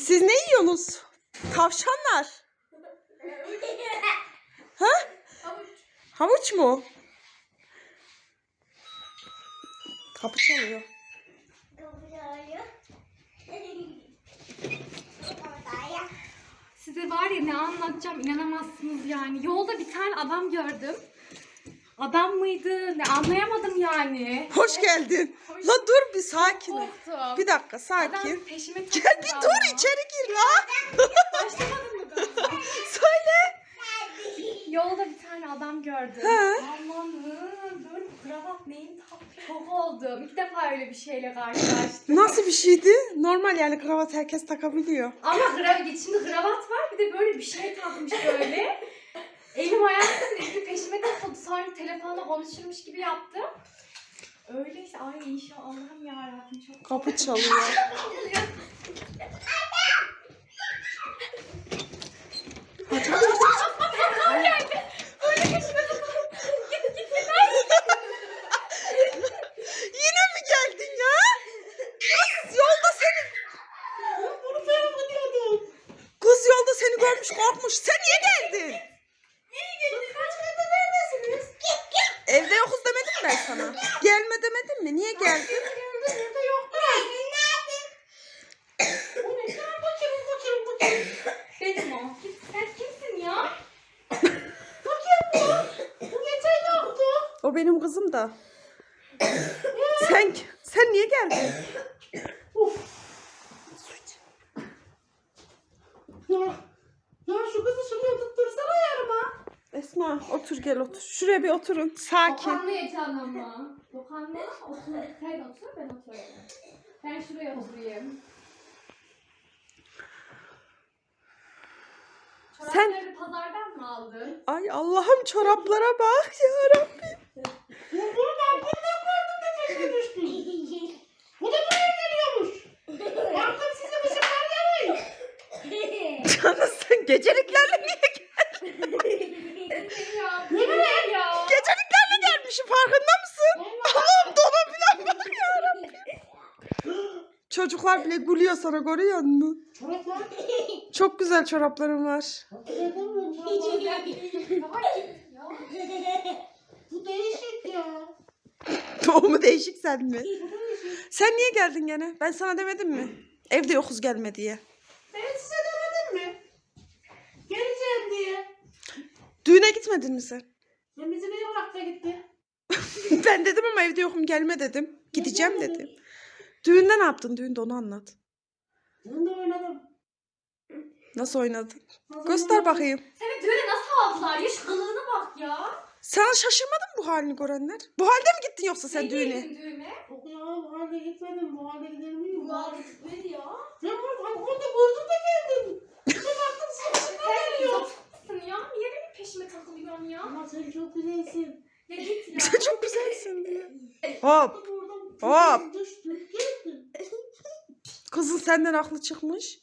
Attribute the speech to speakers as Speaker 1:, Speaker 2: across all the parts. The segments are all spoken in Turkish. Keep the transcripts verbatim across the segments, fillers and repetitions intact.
Speaker 1: Siz ne yiyorsunuz? Tavşanlar. Ha?
Speaker 2: Havuç.
Speaker 1: Havuç mu? Kapı çalıyor.
Speaker 2: Size var ya ne anlatacağım inanamazsınız yani. Yolda bir tane adam gördüm. Adam mıydı? Ne anlayamadım yani.
Speaker 1: Hoş geldin.
Speaker 2: Hoş-
Speaker 1: La dur bir sakin ol.
Speaker 2: Korktum.
Speaker 1: Bir dakika
Speaker 2: Adam
Speaker 1: sakin.
Speaker 2: peşime
Speaker 1: Gel
Speaker 2: takıldı
Speaker 1: bir
Speaker 2: ama.
Speaker 1: dur içeri gir la.
Speaker 2: Başlamadın mı daha?
Speaker 1: Söyle.
Speaker 2: Yolda bir tane adam gördüm.
Speaker 1: He.
Speaker 2: Allah'ım böyle kravat neyin taktı çok oldum. İlk defa öyle bir şeyle karşılaştım.
Speaker 1: Nasıl bir şeydi? Normal yani kravat herkes takabiliyor.
Speaker 2: Ama kravat, şimdi kravat var bir de böyle bir şey takmış böyle. Elim ayağım sürekli peşime takıldı. Sonra telefonla konuşurmuş gibi yaptım. Öyle işte ay inşallah Allah'ım yarabbim çok
Speaker 1: Kapı çalıyor.
Speaker 2: Adam geldi. Böyle peşime takıldı. Git git git.
Speaker 1: Yine mi geldin ya? Kız yolda seni...
Speaker 2: Bunu ben gidiyordum.
Speaker 1: Kız yolda seni görmüş korkmuş. Sen niye geldin?
Speaker 2: Nereye geldin? Kaç gündür neredesiniz?
Speaker 1: Evde yokuz demedim mi ben sana? Gelme demedim mi? Niye geldin?
Speaker 2: Geldim evde yoktu. Bu ne? Sen bu kim? Bu kim? Bu kim? Benim o. Kim- Sen kimsin ya? Bu kim bu? Bu geçen yoktu.
Speaker 1: O benim kızım da. sen sen niye geldin?
Speaker 2: Uf. Ya, ya şu kızı şuraya tuttursana yarıma.
Speaker 1: Esma otur gel otur. Şuraya bir oturun. Sakin.
Speaker 2: Dokanmayacaksın ama. Dokanma. Otur. Sen otur ben oturayım. Ben şuraya oturayım.
Speaker 1: Sen-
Speaker 2: Çorapları pazardan mı aldın?
Speaker 1: Ay Allah'ım çoraplara bak ya Rabbim.
Speaker 2: Bunu ben bundan gördüm de peşine düştüm. Bu da buraya geliyormuş. Baktım size bir sefer yarayın.
Speaker 1: Canım sen geceliklerle niye geldin?
Speaker 2: Ya, bu ne ya?
Speaker 1: Geceliklerle gelmişim farkında mısın? Allah'ım dona falan bak ya Rabbim. Çocuklar bile gülüyor sana görüyor musun?
Speaker 2: Çoraplar.
Speaker 1: Çok güzel çoraplarım var.
Speaker 2: Bu değişik ya.
Speaker 1: O mu değişik sen mi? Sen niye geldin gene? Ben sana demedim mi? Evde yokuz gelme diye.
Speaker 2: Ben size demedim mi? Geleceğim diye.
Speaker 1: Düğüne gitmedin mi sen?
Speaker 2: Ben bizi bir bıraktı gitti.
Speaker 1: Ben dedim ama evde yokum gelme dedim. Gideceğim dedim. Düğünde ne yaptın? Düğünde onu anlat.
Speaker 2: Ben de oynadım.
Speaker 1: Nasıl oynadın?
Speaker 2: Nasıl
Speaker 1: Göster
Speaker 2: oynadım?
Speaker 1: bakayım.
Speaker 2: Seni düğüne nasıl aldılar? Ya şu kılığına bak ya.
Speaker 1: Sen şaşırmadın mı bu halini görenler? Bu halde mi gittin yoksa sen
Speaker 2: Ne
Speaker 1: düğüne?
Speaker 2: girdin düğüne?
Speaker 3: Yok ya bu halde gitmedim. Bu halde gider miyim?
Speaker 2: Bu halde gitmedi ya.
Speaker 3: Ben burada orada gördüm de geldim. Bir baktım sırasına
Speaker 2: Sen
Speaker 3: geliyor.
Speaker 2: zıpsın ya. Niye benim peşime takılıyorsun ya?
Speaker 3: Ama sen çok güzelsin.
Speaker 2: Ya git ya.
Speaker 1: Sen çok güzelsin diye. Hop.
Speaker 3: Buradan
Speaker 1: Hop.
Speaker 3: düştüm. Geldim.
Speaker 1: Kızın senden aklı çıkmış.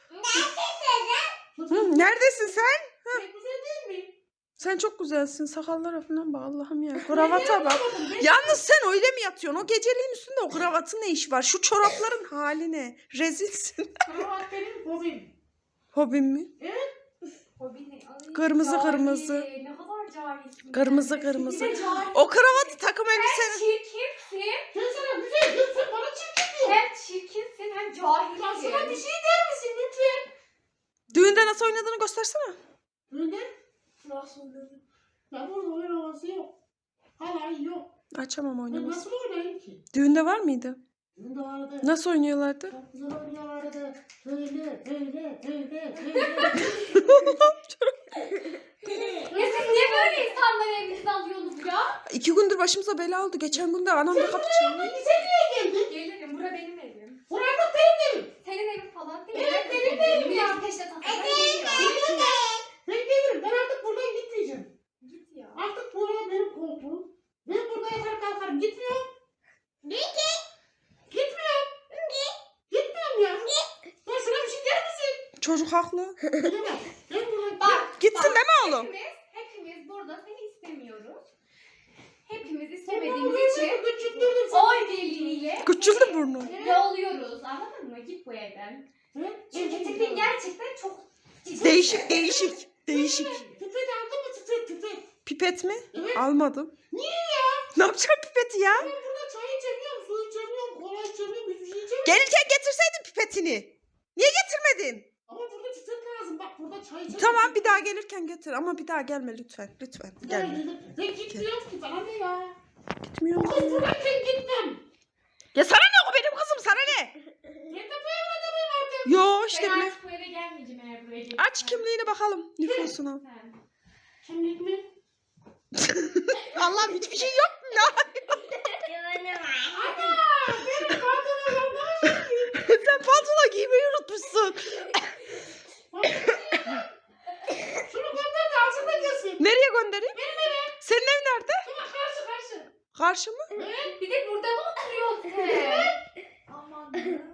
Speaker 3: Kız,
Speaker 1: Hı, neredesin sen?
Speaker 3: ben güzel değil mi?
Speaker 1: Sen çok güzelsin. Sakallara falan bak Allah'ım ya. Kravata bak.
Speaker 3: Yapamadım, ben-
Speaker 1: Yalnız sen öyle mi yatıyorsun? O geceliğin üstünde o kravatın ne işi var? Şu çorapların hali ne? Rezilsin.
Speaker 3: Kravat benim hobim.
Speaker 1: Hobin mi?
Speaker 2: Hobi ne? Ay,
Speaker 1: Kırmızı,
Speaker 2: cahil.
Speaker 1: kırmızı.
Speaker 2: Ne kadar cahilsin.
Speaker 1: Kırmızı,
Speaker 2: sen.
Speaker 1: kırmızı.
Speaker 2: Bir de cahil.
Speaker 1: O kravatı takım
Speaker 2: Hem
Speaker 1: elbiseni.
Speaker 2: çirkinsin,
Speaker 3: Sen sana güzel diyorsun. Sen bana çirkin diyorsun.
Speaker 2: hem çirkinsin hem cahilsin.
Speaker 3: Ya şuna bir şey der misin lütfen?
Speaker 1: Düğünde nasıl oynadığını göstersene.
Speaker 3: Öyle.
Speaker 2: Nasıl dedim?
Speaker 3: Ya burada oyun havası yok. Halay yok.
Speaker 1: Açamam
Speaker 3: Ben
Speaker 1: oynaması.
Speaker 3: nasıl oynayayım ki?
Speaker 1: Düğünde var mıydı?
Speaker 3: Bunda vardı.
Speaker 1: Nasıl oynuyorlardı?
Speaker 3: Çok güzel oynuyorlardı. Öyle, öyle, öyle, öyle.
Speaker 2: Ya siz niye böyle insanları evinize alıyorsunuz ya?
Speaker 1: İki gündür başımıza bela oldu. Geçen gün de anam da kapı çaldı.
Speaker 3: Peki sen niye geldin?
Speaker 2: Gelirim, bura benim evim.
Speaker 3: Burada benim evim.
Speaker 2: Senin evin falan değil.
Speaker 3: Evet,
Speaker 2: Herkes
Speaker 3: benim evim ya.
Speaker 2: Milletin peşine takılmaya geliyor.
Speaker 3: Ben gelirim. Ben artık buradan gitmeyeceğim.
Speaker 2: Git ya.
Speaker 3: Artık buraya benim koltuğum. Ben burada yatar kalkarım. Gitmiyorum. Gitmiyorum. Gitmiyorum ya. Ya şuna bir şey der misin?
Speaker 1: Çocuk haklı.
Speaker 3: Gidemem. Ben buradan
Speaker 2: Bak.
Speaker 1: Gitsin
Speaker 2: bak,
Speaker 1: deme oğlum.
Speaker 2: Hepimiz, hepimiz burada seni istemiyoruz. Hepimiz
Speaker 3: Sen bana
Speaker 2: istemediğimiz
Speaker 3: buraya
Speaker 2: için
Speaker 3: küçülttürdün sen.
Speaker 2: oy birliğiyle
Speaker 1: Küçüldü burnun.
Speaker 2: yolluyoruz. Anladın mı? Git bu evden.
Speaker 3: He?
Speaker 2: Çünkü tipin gerçekten çok
Speaker 1: Değişik değişik. Değişik.
Speaker 3: Pipet aldın mı pipet pipet?
Speaker 1: Pipet mi?
Speaker 3: Evet.
Speaker 1: Almadım.
Speaker 3: Niye ya?
Speaker 1: Ne yapacağım pipeti ya?
Speaker 3: Ben burada çay içemiyorum, su içemiyorum, kola içemiyorum, hiçbir şey içemiyorum.
Speaker 1: Gelirken getirseydin pipetini. Niye getirmedin?
Speaker 3: Ama burada pipet lazım. Bak burada çay içemiyorum.
Speaker 1: Tamam bir daha gelirken getir ama bir daha gelme lütfen. Lütfen gelme.
Speaker 3: Ben gitmiyorum ki, bana ne ya?
Speaker 1: Gitmiyorum.
Speaker 3: Bu kız buradayken gitmem.
Speaker 1: Ya sana ne, o benim kızım, sana ne?
Speaker 3: Ben de bu evde miyim artık?
Speaker 1: Yo işte
Speaker 2: ben
Speaker 1: bile.
Speaker 2: artık bu eve gelmeyeceğim eğer buraya gelirsen.
Speaker 1: Aç kimliğini bakalım nüfusuna.
Speaker 2: Sen.
Speaker 3: Kimlik mi?
Speaker 1: Allah'ım hiçbir şey yok mu ya?
Speaker 3: Ana! Benim pantolonum olmaz.
Speaker 1: Sen pantolon giymeyi unutmuşsun.
Speaker 3: Şunu gönder de alsın da gelsin.
Speaker 1: Nereye göndereyim?
Speaker 3: Benim eve.
Speaker 1: Senin ev nerede?
Speaker 3: Şuna karşı karşı.
Speaker 1: Karşı mı?
Speaker 3: Evet.
Speaker 2: Bir de burada mı oturuyorsun sen? Aman.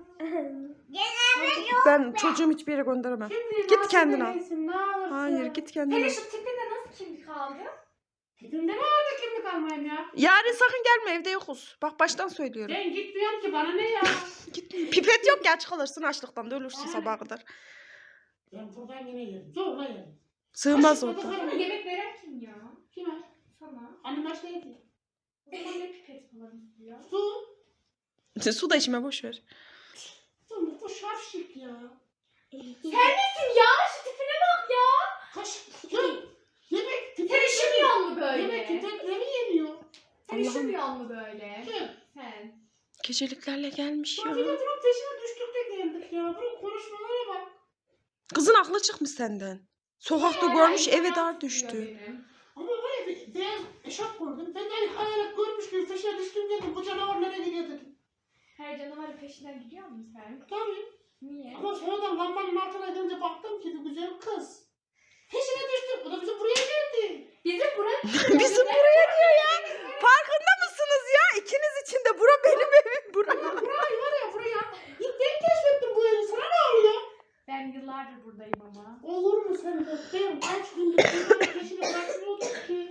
Speaker 1: Ben çocuğumu hiçbir yere gönderemem.
Speaker 3: Kimliği
Speaker 1: Git
Speaker 3: nasıl
Speaker 1: kendin al.
Speaker 3: verirsin, ne alırsın?
Speaker 1: Hayır git kendin
Speaker 2: Senin
Speaker 1: al.
Speaker 2: şu tipinde nasıl kimlik aldı?
Speaker 3: Tipimde ne vardı kimlik almayayım ya?
Speaker 1: Yarın sakın gelme, evde yokuz. Bak baştan söylüyorum.
Speaker 3: Ben gitmiyorum ki, bana ne ya?
Speaker 1: Gitme. Pipet yok ya, kalırsın açlıktan da ölürsün sabaha kadar.
Speaker 3: Ben buradan yine yerim. Zorla yerim.
Speaker 1: Sığmaz
Speaker 3: Aşıkla
Speaker 1: orada.
Speaker 3: da
Speaker 2: Sana yemek veren kim ya?
Speaker 3: Kime?
Speaker 2: Sana.
Speaker 3: Annem aç neydi?
Speaker 2: O zaman ne pipet falan ya?
Speaker 3: Su.
Speaker 1: Su da içme, boş ver.
Speaker 3: Su bu şapşik ya.
Speaker 2: Sen misin ya? Şu tipine bak ya.
Speaker 3: Kaş. Ya. Yemek
Speaker 2: Sen
Speaker 3: pipet
Speaker 2: üşümüyor mu böyle?
Speaker 3: Yemek pipetleri yemiyor.
Speaker 2: Sen
Speaker 1: Allah'ım.
Speaker 2: üşümüyor mu böyle?
Speaker 3: Kim?
Speaker 2: Sen.
Speaker 1: Geceliklerle gelmiş
Speaker 3: Bak
Speaker 1: ya.
Speaker 3: bir de bunun peşine düştük de geldik ya. Bunun konuşmalara bak.
Speaker 1: Kızın aklı çıkmış senden. Sokakta
Speaker 2: Hala
Speaker 1: görmüş,
Speaker 2: insan
Speaker 1: eve dar
Speaker 2: tutuyor
Speaker 1: düştü.
Speaker 2: benim.
Speaker 3: Ama var ya bir beyaz eşarp gördüm. Ben de hayalet görmüş gibi peşine düştüm dedim. Bu canavar nereye gidiyor dedim.
Speaker 2: Her canavarın peşinden gidiyor musun sen?
Speaker 3: Tabii.
Speaker 2: Niye?
Speaker 3: Ama sonradan lambanın altına gidince baktım ki bir güzel kız. Peşine düştüm. O da bizim buraya geldi.
Speaker 2: Bizim burası.
Speaker 1: Bizim buraya diyor ya. Farkında mısınız ya? İkiniz için de bura benim evim. Bura.
Speaker 3: Ya burayı var ya buraya. İlk ben keşfettim bu evi. Sana ne oluyor?
Speaker 2: Ben yıllardır buradayım ama.
Speaker 3: Olur mu sen de? Ben kaç gündür bunların peşine bırakmıyordum ki.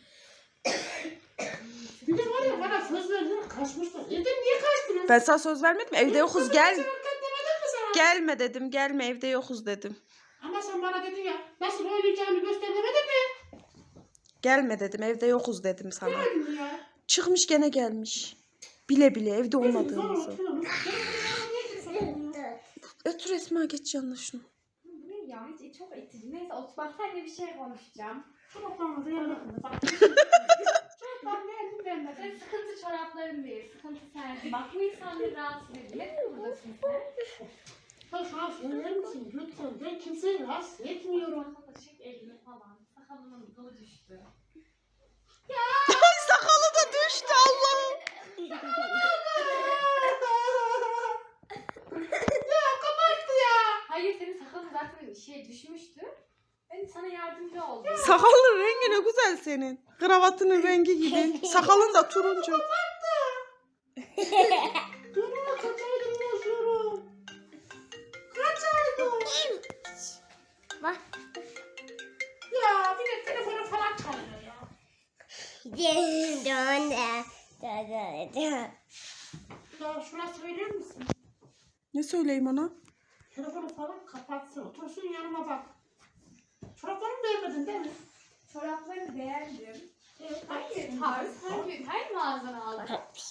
Speaker 3: Bir de var ya bana söz verdiler kaçmışlar. Evden niye kaçtınız?
Speaker 1: Ben sana söz vermedim. Evde yokuz, gel.
Speaker 3: Sen demedim mi sana?
Speaker 1: Gelme dedim, gelme, evde yokuz dedim.
Speaker 3: Ama sen bana dedin ya nasıl oynayacağını göster demedin mi?
Speaker 1: Gelme dedim, evde yokuz dedim sana.
Speaker 3: Demedin mi ya?
Speaker 1: Çıkmış gene gelmiş. Bile bile evde olmadığımızı. Ötür Esma, geç yanına şunu.
Speaker 2: Bu ne ya? Hiç çok itici. Neyse otur bak seninle bir şey konuşacağım.
Speaker 3: Çoraplarınızı yerine bak. Çoraplar beğendim ben de.
Speaker 2: Senin sıkıntı çorapların değil. Sıkıntı sensin. Bak bu insanları rahatsız ediyor. Neden buradasın sen?
Speaker 3: Sen şu an söyler misin lütfen? Ben kimseyi rahatsız etmiyorum.
Speaker 2: Sakal çek elini falan. Sakalımın dalı düştü.
Speaker 1: Ay sakalı da düştü Allah'ım.
Speaker 3: Ya kapattı ya.
Speaker 2: Hayır senin sakalın zaten şey düşmüştü. Ben sana yardımcı oldum.
Speaker 1: Sakalın rengi ne güzel senin. Kravatının rengi gibi. Sakalın da turuncu.
Speaker 3: Durma kaç aydır yaşıyorum. Kaç aydır.
Speaker 4: Bak.
Speaker 3: Ya bir de telefonu falan çalıyor ya. Ya şuna söyler misin?
Speaker 1: Ne söyleyeyim ona?
Speaker 3: Telefonu falan kapatsın. Otursun yanıma bak. Çoraplarımı beğenmedin değil mi?
Speaker 2: Çoraplarını beğendim.
Speaker 3: Evet.
Speaker 2: Hayır tarz her gün her mağazana aldım.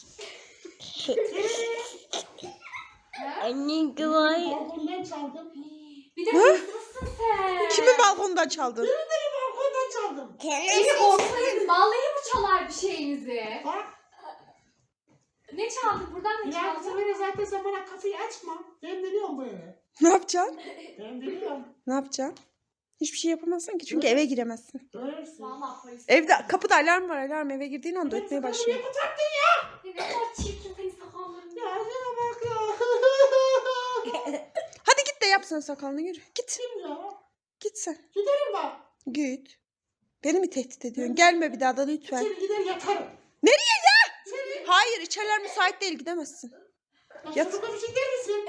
Speaker 2: Ha?
Speaker 4: Anne güvay.
Speaker 3: Balkondan çaldım.
Speaker 2: Bir de hırsızsın sen.
Speaker 1: Kimin balkonundan çaldın?
Speaker 3: Benim de bir balkondan çaldım.
Speaker 2: Beni korkmayın. Vallahi mı çalar bir şeyinizi?
Speaker 3: Bak.
Speaker 2: Ne çaldık? Buradan ne
Speaker 3: Ya
Speaker 2: çaldık?
Speaker 3: Semer'e zaten sen bana kapıyı açma. Ben biliyorum bu evi.
Speaker 1: Ne yapacaksın?
Speaker 3: Ben biliyorum.
Speaker 1: Ne yapacaksın? Hiçbir şey yapamazsın ki çünkü eve giremezsin.
Speaker 3: Görürsün.
Speaker 2: Vallahi polis.
Speaker 1: Evde kapıda alarm var, alarm eve girdiğin anda ötmeye
Speaker 3: Niye
Speaker 1: başlıyor.
Speaker 3: kapattın ya?
Speaker 2: Ne kadar çirkin senin sakalların.
Speaker 3: Ya şuna bak ya.
Speaker 1: Hadi git de yap sen sakalını, yürü. Git.
Speaker 3: Kim ya?
Speaker 1: Git sen.
Speaker 3: Giderim bak.
Speaker 1: Git. Beni mi tehdit ediyorsun? Gelme bir daha da lütfen.
Speaker 3: İçeri gider yatarım.
Speaker 1: Nereye ya?
Speaker 3: İçeri.
Speaker 1: Hayır, içeriler müsait değil, gidemezsin.
Speaker 3: Ya
Speaker 1: Yat.
Speaker 3: şurada bir şey der misin?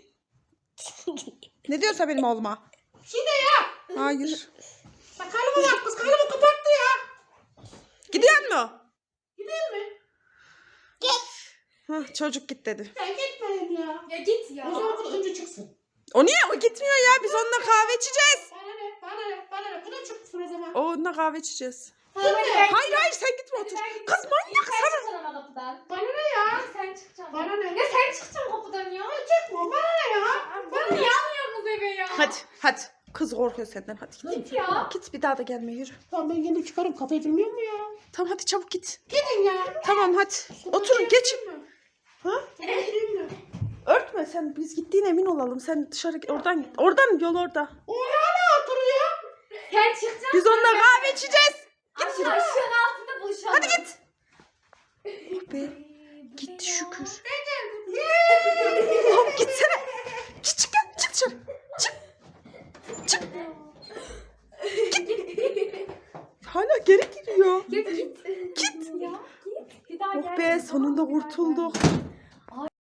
Speaker 1: Ne diyorsa benim oğluma.
Speaker 3: Bir şey de ya.
Speaker 1: Hayır.
Speaker 3: Bak kalımı bak kız kalımı kapattı ya.
Speaker 1: Gidiyor mu?
Speaker 3: Gidelim mi?
Speaker 1: Hah, çocuk git dedi.
Speaker 3: Ben gitmeyeyim ya. ya.
Speaker 2: Ya git ya.
Speaker 3: O zaman bu da önce çıksın.
Speaker 1: O niye? O gitmiyor ya. Biz onunla kahve içeceğiz.
Speaker 3: Bana ne? Bana ne? Bana ne? Bu da çıksın o zaman.
Speaker 1: O onunla kahve içeceğiz.
Speaker 2: Hadi ben-
Speaker 1: Hayır hayır sen gitme otur.
Speaker 2: Hadi ben-
Speaker 1: Kız manyak
Speaker 2: Sen
Speaker 1: sana.
Speaker 2: çıkacaksın ama kapıdan.
Speaker 3: Bana ne ya?
Speaker 2: Ya sen çıkacaksın.
Speaker 3: Bana ne?
Speaker 2: Ya sen çıkacaksın kapıdan ya.
Speaker 3: Çıkma. Bana ne ya?
Speaker 2: Bana niye almıyorsunuz eve ya?
Speaker 1: Hadi hadi. Kız korkuyor senden. Hadi git.
Speaker 2: Git ya.
Speaker 1: Git bir daha da gelme yürü.
Speaker 3: Tamam ben kendim çıkarım. Kapı edilmiyor mu ya?
Speaker 1: Tamam hadi çabuk git.
Speaker 3: Gidin ya.
Speaker 1: Tamam hadi. Oturun geçin. Ha?
Speaker 3: Edilmiyor mu?
Speaker 1: Örtme sen. Biz gittiğine emin olalım. Sen dışarı oradan git. Oradan yol orada.
Speaker 3: O hala oturuyor.
Speaker 2: Sen çıkacaksın.
Speaker 1: Biz onunla kahve içeceğiz.
Speaker 2: Aşağı aşağının altında buluşalım.
Speaker 1: Hadi git. Oh be. Gitti şükür. Oğlum gitsene. Çık çık gel. Çık dışarı. Çık. Çık. Git. Hala geri giriyor.
Speaker 2: Git git.
Speaker 1: Git.
Speaker 2: Ya git. Bir daha
Speaker 1: Oh
Speaker 2: gel.
Speaker 1: be sonunda kurtulduk.